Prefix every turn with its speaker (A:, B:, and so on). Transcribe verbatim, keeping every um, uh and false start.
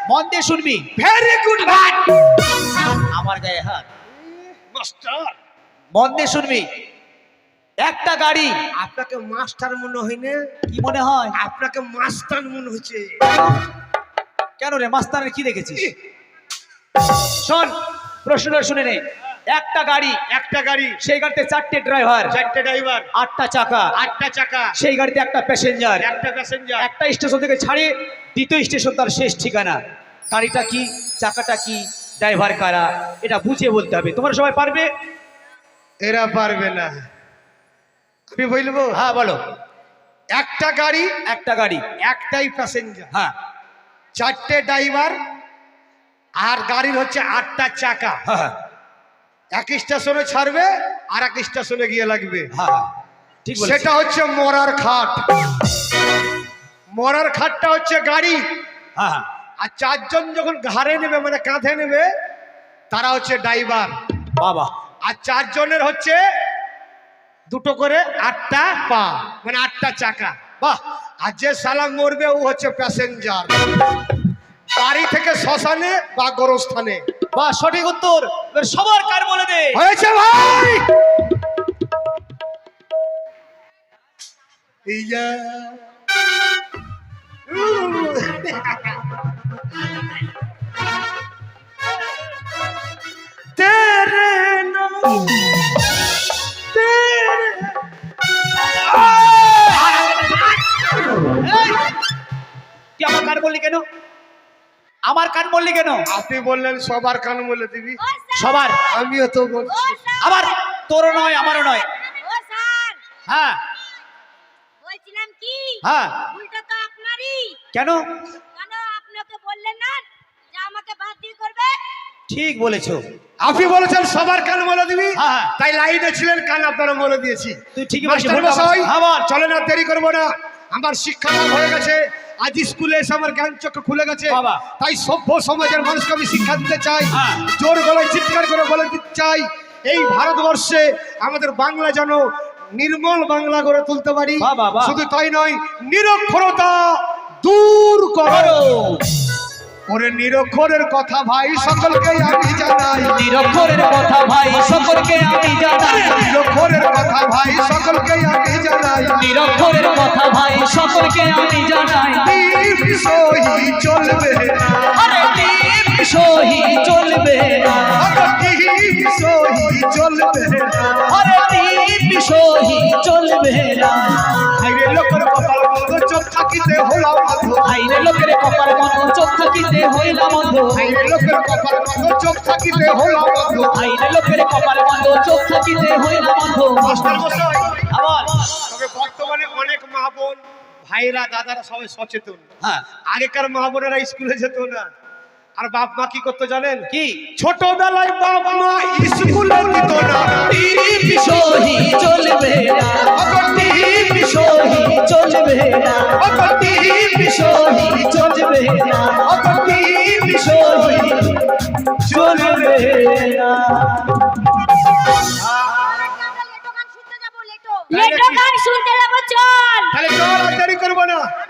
A: মন দিয়ে শুনবি।
B: ভেরি গুড ভাই।
A: আমার গায়ে হাত।
B: মাস্টার
A: মন দিয়ে শুনবি। একটা গাড়ি।
B: আপনাকে মাস্টার মনে হয় না?
A: কি মনে হয়?
B: আপনাকে মাস্টার মনে হচ্ছে।
A: কেন রে, মাস্টারের কি দেখেছিস? শোন, প্রশ্নটা শুনে নে। একটা গাড়ি,
B: একটা গাড়ি,
A: সেই গাড়িতে চারটে ড্রাইভার,
B: চারটে ড্রাইভার,
A: আটটা চাকা,
B: আটটা চাকা,
A: সেই গাড়িতে একটা প্যাসেঞ্জার।
B: একটা প্যাসেঞ্জার।
A: একটা স্টেশন থেকে ছাড়ে দ্বিতীয় স্টেশন তার শেষ ঠিকানা। গাড়িটা কি, চাকাটা কি, ড্রাইভার কারা, এটা বুঝিয়ে বলতে হবে। তোমরা সবাই পারবে?
B: এরা পারবে না। আমি বলবো?
A: হ্যাঁ বলো।
B: একটা গাড়ি,
A: একটা গাড়ি,
B: একটাই প্যাসেঞ্জার,
A: হ্যাঁ
B: চারটে ড্রাইভার, আর গাড়ির হচ্ছে আটটা চাকা।
A: হ্যাঁ
B: এক স্টেশনে ছাড়বে আর এক স্টেশনে গিয়ে লাগবে।
A: হ্যাঁ ঠিক বলেছিস।
B: সেটা হচ্ছে মরার খাট। মরার খাটটা হচ্ছে গাড়ি,
A: হ্যাঁ হ্যাঁ
B: আর চারজন যখন ঘাড়ে নেবে মানে কাঁধে নেবে তারা হচ্ছে ড্রাইভার।
A: বাবা।
B: আর চারজনের হচ্ছে দুটো করে আটটা পা, মানে আটটা চাকা।
A: বাহ।
B: আর যে সালা মরবে ও হচ্ছে প্যাসেঞ্জার, বাড়ি থেকে শ্মশানে বা গোরস্থানে।
A: বাহ, সঠিক উত্তর। এবার সবার কার বলে দে।
B: হয়েছে ভাই। এই যা। তেরে নাম তেরে।
A: এই, তুই আমার কান বললি কেন? আমার কান বললি কেন?
B: আপনি বললেন সবার কান বলে দিবি,
A: সবার।
B: আমিও তো বলছি।
A: আবার তোরও নয় আমারও নয়।
C: ও স্যার,
A: হ্যাঁ
C: বলছিলাম কি,
A: হ্যাঁ।
C: ভুলটা তো আপনারই।
A: কেন?
C: কেন আপনাকে বললেন না যে আমাকে বাদ দিয়ে করবে?
A: ঠিক বলেছো।
B: আপনি বলেছেন সবার কান বলে দিবি,
A: হ্যাঁ, হ্যাঁ।
B: তাই লাইনে ছিলেন, কান আপনারা বলে দিয়েছি।
A: তুই ঠিকই বলেছিস।
B: মাস্টার
A: ভুলটা
B: মশাই,
A: আমার- আবার
B: চলেন আর দেরি করবো না। আমার শিক্ষা লাভ হয়ে গেছে, আজ স্কুলে এসে আমার জ্ঞান চক্ষু খুলে গেছে।
A: বাবা।
B: তাই সভ্য সমাজের মানুষকে আমি শিক্ষা দিতে চাই,
A: হ্যাঁ।
B: জোর গলায় চিৎকার করে বলে দিতে চাই, এই ভারতবর্ষে আমাদের বাংলা যেন নির্মল বাংলা গড়ে তুলতে পারি।
A: বাহ, বাহ, বাহ।
B: শুধু তাই নয়, নিরক্ষরতা দূর করো। ওরে নিরক্ষরের কথা ভাই সকলকে আমি জানাই,
A: নিরক্ষরের কথা ভাই সকলকে আমি জানাই,
B: নিরক্ষরের কথা ভাই সকলকে আমি জানাই,
A: নিরক্ষরের কথা ভাই সকলকে আমি জানাই।
B: দীপ সহি চলবে না,
A: আরে দীপ সহি চলবে না,
B: দীপ সহি চলবে না,
A: আরে দীপ সহি চলবে না।
B: আইরে লোকের কপাল মন্দ চোখ থাকিতে হলাম অন্ধ,
A: আইরে লোকের কপাল মতো চোখ থাকিতে হইলাম অন্ধ,
B: আইরে লোকের কপাল মন্দ চোখ থাকিতে হলাম অন্ধ।
A: আইরে লোকের কপাল মতো চোখ থাকিতে হইলাম অন্ধ।
B: মাস্টার মশাই,
A: আবার
B: তবে বর্তমানে অনেক মা বোন ভাইরা দাদারা সবাই সচেতন।
A: হ্যাঁ
B: আগেকার মা বোনেরা স্কুলে যেত না, আর বাপ মা কি করতো জানেন?
A: কি?
B: ছোটবেলায় বাপ মা স্কুলে দিত না,
A: দীপ সহি চলবে না, দীপ সহি চলবে না, দীপ সহি চলবে না, দীপ সহি চলবে না।
C: আমরা লেটো গান শুনতে যাব, লেটো। লেটো গান শুনতে যাব, চল।
B: তাহলে চল আর দেরি করবো না।